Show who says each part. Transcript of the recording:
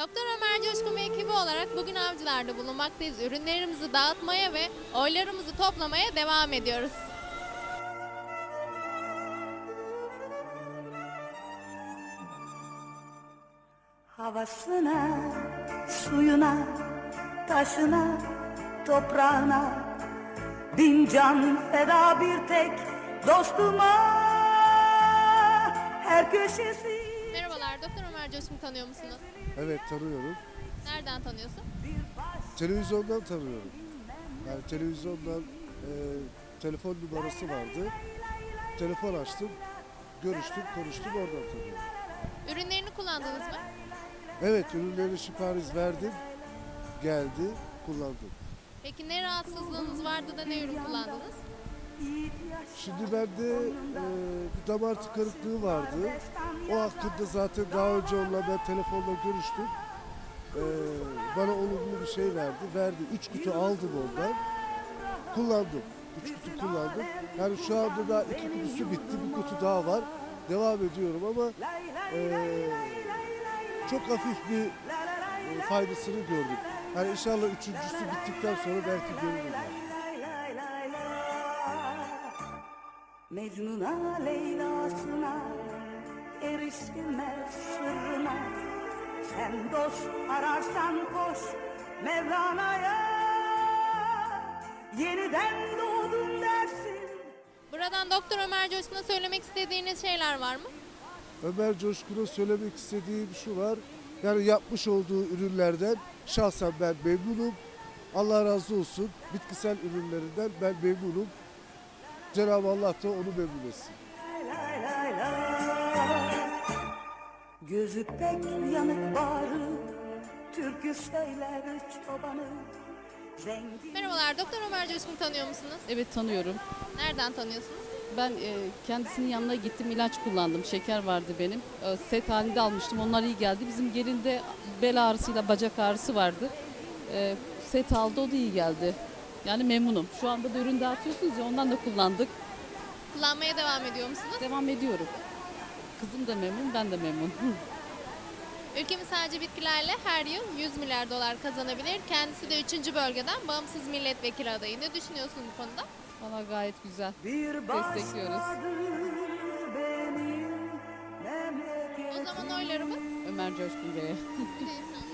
Speaker 1: Doktor Ömer Coşkun ve ekibi olarak bugün Avcılar'da bulunmaktayız. Ürünlerimizi dağıtmaya ve oylarımızı toplamaya devam ediyoruz.
Speaker 2: Havasına, suyuna, taşına, toprağına bin can feda bir tek dostuma her köşesi.
Speaker 1: Merhabalar, Doktor Ömer Coşkun'u tanıyor musunuz?
Speaker 3: Evet, tanıyorum.
Speaker 1: Nereden tanıyorsun?
Speaker 3: Televizyondan tanıyorum. Yani televizyondan telefon numarası vardı. Telefon açtım, görüştüm, konuştum, oradan tanıyorum.
Speaker 1: Ürünlerini kullandınız mı?
Speaker 3: Evet, ürünleri sipariş verdim, geldi, kullandım.
Speaker 1: Peki ne rahatsızlığınız vardı da ne ürün kullandınız?
Speaker 3: Şimdi bende bir damar tıkanıklığı vardı. O hakkında zaten daha önce onunla ben telefonla görüştüm. Bana olumlu bir şey verdi. 3 kutu aldım ondan. Kullandım. 3 kutu kullandım. Yani şu anda da 2 kutusu bitti. Bir kutu daha var. Devam ediyorum ama çok hafif bir faydasını gördüm. Yani inşallah üçüncüsü bittikten sonra belki görürüm.
Speaker 2: Mecnun'a, Leyla'sına erişilmez sırrına. Sen dost ararsan koş Mevlana'ya, yeniden doğdun dersin.
Speaker 1: Buradan Doktor Ömer Coşkun'a söylemek istediğiniz şeyler var mı?
Speaker 3: Ömer Coşkun'a söylemek istediğim şu var. Yani yapmış olduğu ürünlerden şahsen ben memnunum. Allah razı olsun. Bitkisel ürünlerinden ben memnunum. Cenab-ı Allah da onu memnun etsin.
Speaker 2: Lay lay lay. Gözü pek yanık bağrı, türkü söyler çobanı. Zengin.
Speaker 1: Merhabalar, Doktor Ömer Coşkun'u tanıyor musunuz?
Speaker 4: Evet, tanıyorum.
Speaker 1: Nereden tanıyorsunuz?
Speaker 4: Ben kendisinin yanına gittim, ilaç kullandım. Şeker vardı benim. Set halinde almıştım. Onlar iyi geldi. Bizim gelinde bel ağrısıyla bacak ağrısı vardı. Set aldı, o da iyi geldi. Yani memnunum. Şu anda da ürün dağıtıyorsunuz ya, ondan da kullandık.
Speaker 1: Kullanmaya devam ediyor musunuz?
Speaker 4: Devam ediyorum. Kızım da memnun, ben de memnun.
Speaker 1: Ülkemiz sadece bitkilerle her yıl 100 milyar dolar kazanabilir. Kendisi de 3. bölgeden bağımsız milletvekili adayı. Ne düşünüyorsun bu konuda?
Speaker 4: Valla gayet güzel.
Speaker 2: Bir
Speaker 4: Destekliyoruz.
Speaker 2: benim memleketim.
Speaker 1: O zaman oylarımız
Speaker 4: Ömer Coşkun Bey'e.
Speaker 1: bir de insan.